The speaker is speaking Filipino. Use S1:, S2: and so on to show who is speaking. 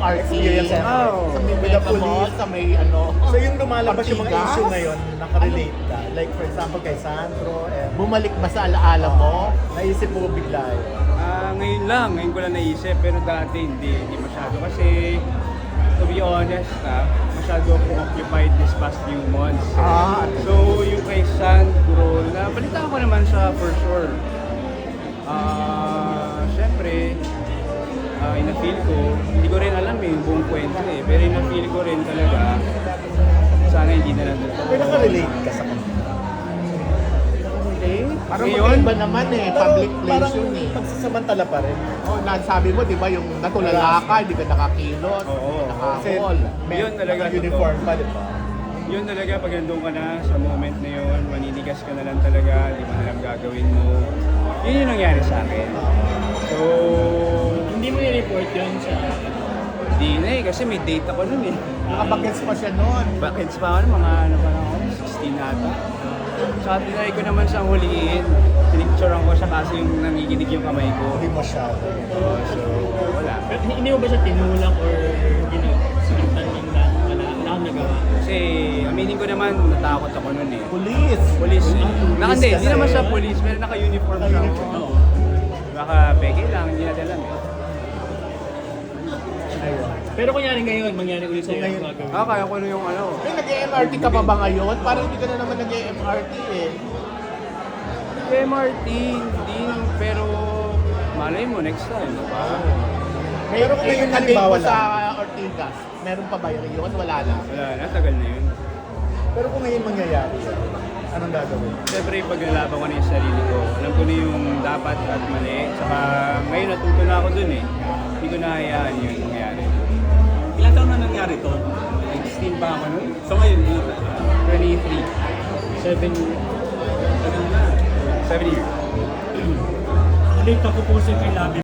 S1: MRT.
S2: Experience ever.
S1: Sa may
S2: With the
S1: Mega Mall,
S2: police.
S1: sa may ano.
S2: So yung lumalabas yung mga
S1: Ortigas?
S2: issue ngayon, nakarelate ka. Like for example kay Sandro,
S1: Bumalik ba sa alaala mo?
S2: naisip mo bigla yun.
S3: Ngayon ko lang naisip, pero dati hindi masyado. Kasi, to be honest, masyado akong occupied this past few months. So, yung kay Sandro, nabalitaan ko naman siya for sure. Siyempre, ina-feel ko, hindi ko rin alam yung buong kwento pero ina-feel ko rin talaga, sana hindi na lang
S2: Pero
S3: nito.
S2: nakarelate ka sa kanila.
S1: Parang
S3: Ngayon?
S1: magkaiba naman public place
S2: parang
S1: yun
S2: pagsasamantala pa rin.
S1: Nasabi mo, di ba, yung natulala ka, hindi ka nakakilot,
S3: Oo.
S2: Kasi
S1: nakakol.
S3: Yun talaga,
S2: uniform pa, di ba?
S3: Yun talaga, pag nandun ka na sa moment na yun, maninigas ka na lang talaga, di mo na lang gagawin mo. Yun yung nangyari sa akin. So,
S4: Hindi mo i-report yun sa...
S3: di na kasi may date ako nun
S1: Nakabagets pa siya noon.
S3: Bakit pa ako, mga ano pa lang ako, 16 ata. Sa tinry ko naman siyang huliin. Pinicturean ko siya kasi yung nangiginig yung kamay ko.
S2: Hindi masyado.
S3: So, wala.
S4: Pero hindi mo ba siya tinulak or sinaktan lang na wala akong nagawa?
S3: Kasi aminin ko naman, natakot ako nun
S1: Police.
S3: Police. Hindi
S2: kasi.
S3: naman siya police, pero naka-uniform siya.
S2: Naka-uniform.
S4: Oo.
S3: Baka peke lang, hindi natin alam
S2: Ayun.
S4: Pero kunyari ngayon, mangyari ulit sa'yo
S2: Ngayon.
S4: yung gagawin.
S3: Kaya ko yung ano.
S1: Nag-MRT ka pa ba ngayon? Parang hindi ka na naman nag-MRT
S3: MRT, hindi, pero malay mo next time, diba?
S2: Pero kung ngayon
S1: na
S2: halimbawa
S1: sa
S2: lang.
S1: Ortigas, meron pa ba yun? Wala na.
S3: Wala na, tagal na yun.
S2: Pero kung ngayon mangyayari, anong gagawin?
S3: Siyempre, pag nalaban ko na yung sarili ko, alam ko na yung dapat at mali. Saka ngayon natuto na ako dun Hindi ko nahayaan yun mangyari.
S4: Ilan taon na nangyari to?
S3: 16 pa ako nun.
S4: So ngayon,
S3: 23.
S4: 7 years.
S3: 7 years.
S4: Ulit ako po sa kay Labi.